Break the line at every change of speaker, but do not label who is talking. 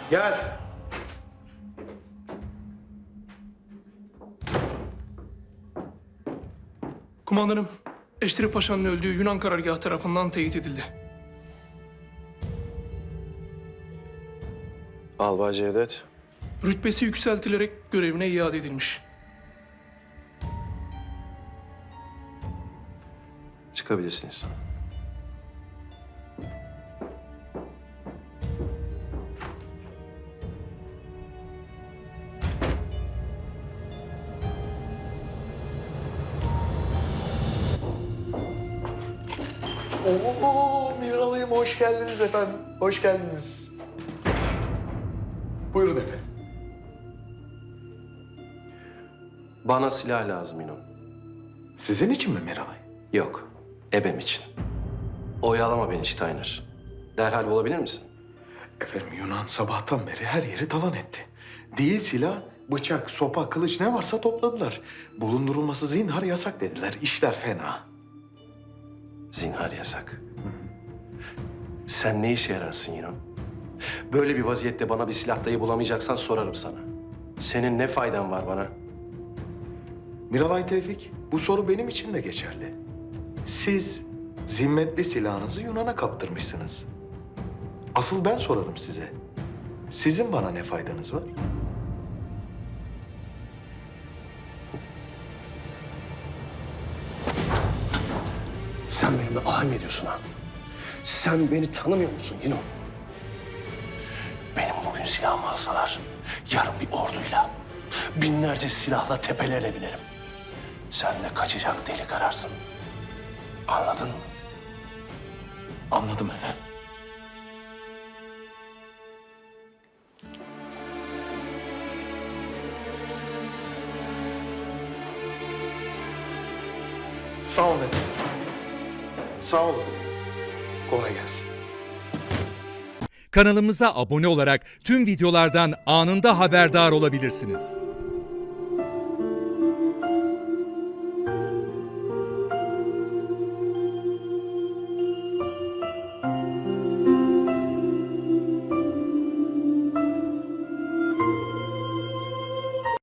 Gel.
Kumandanım, Eşref Paşa'nın öldüğü Yunan karargahı tarafından teyit edildi.
Albay Cevdet.
Rütbesi yükseltilerek görevine iade edilmiş.
Çıkabilirsiniz.
Oo, Miralay'ım hoş geldiniz efendim. Hoş geldiniz. Buyurun efendim.
Bana silah lazım İnon.
Sizin için mi Miralay?
Yok, ebem için. Oyalama beni Steiner. Derhal bulabilir misin?
Efendim Yunan sabahtan beri her yeri talan etti. Değil silah, bıçak, sopa, kılıç ne varsa topladılar. Bulundurulması zinhar yasak dediler. İşler fena.
Zinhar yasak. Sen ne işe yararsın İnon? Böyle bir vaziyette bana bir silah dahi bulamayacaksan sorarım sana. Senin ne faydan var bana?
Miralay Tevfik, bu soru benim için de geçerli. Siz zimmetli silahınızı Yunan'a kaptırmışsınız. Asıl ben sorarım size. Sizin bana ne faydanız var?
Sen benimle alay mı ediyorsun ha? Sen beni tanımıyor musun Yino? Benim bugün silahımı alsalar, yarın bir orduyla, binlerce silahla tepelerine binerim. Sen de kaçacak delik ararsın. Anladın mı?
Anladım efendim. Sağ olun efendim. Sağ olun. Kolay gelsin.
Kanalımıza abone olarak tüm videolardan anında haberdar olabilirsiniz.